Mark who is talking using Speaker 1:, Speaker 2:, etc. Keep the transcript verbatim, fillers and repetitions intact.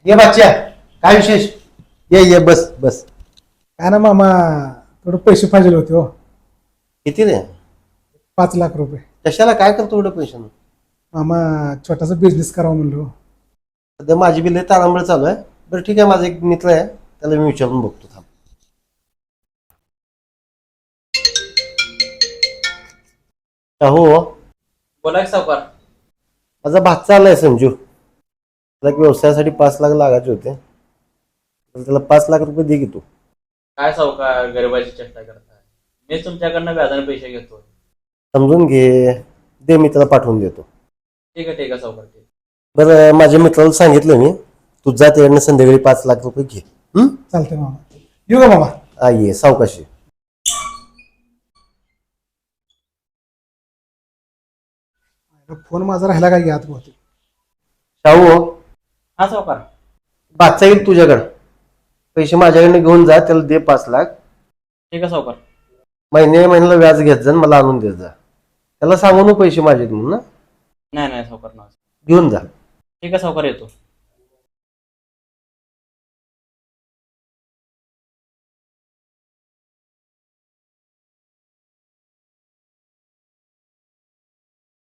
Speaker 1: ये बच्चा, काय विशेष? ये ये बस बस.
Speaker 2: काय ना मामा, थोडं पैसे पाहिजे होते हो.
Speaker 1: किती रे?
Speaker 2: पाच लाख रुपये.
Speaker 1: कशाला, काय करतो एवढं पैसे?
Speaker 2: मामा, छोटासा बिझनेस करावा म्हणलो.
Speaker 1: सध्या माझी बिल तारांबळ चालू आहे. बरं ठीक आहे, माझा एक मित्र आहे, त्याला मी विचारून बघतो. थांब. हो,
Speaker 3: बोला की सावकार.
Speaker 1: माझा भाचा आलाय संजू. त्याला एक व्यवसायासाठी पाच लाख लागायचे होते, तर त्याला पाच लाख रुपये दे की तू.
Speaker 3: काय सावकार, गरिबाची चेष्टा करताय? मी तुमच्याकडनं व्याजाने पैसे घेतो.
Speaker 1: समजून घे, दे, मी त्याला पाठवून देतो.
Speaker 3: ठीक आहे ठीक आहे सावकार. ठीक.
Speaker 1: बरं, माझ्या मित्राला सांगितलं मी, तू जा त्याकडनं संध्याकाळी पाच लाख रुपये घे. हम्म,
Speaker 2: चालतंय मामा. येऊ का मामा?
Speaker 1: हा, ये सावकाशी.
Speaker 2: फोन माझा राहिला काय यात बहुतेक.
Speaker 1: शाहू,
Speaker 3: हा सावकार.
Speaker 1: बादचा येईल तुझ्याकडं. पैसे माझ्याकडनं घेऊन जा, त्याला दे पाच लाख.
Speaker 3: ठीक आहे सावकार.
Speaker 1: महिन्या महिन्याला व्याज घेत जा, मला आणून देत जा. त्याला सांगू नको पैसे माझे म्हणून ना,
Speaker 3: नाही नाही सावकार ना.
Speaker 1: घेऊन जा.
Speaker 3: ठीक आहे सावकार, येतो.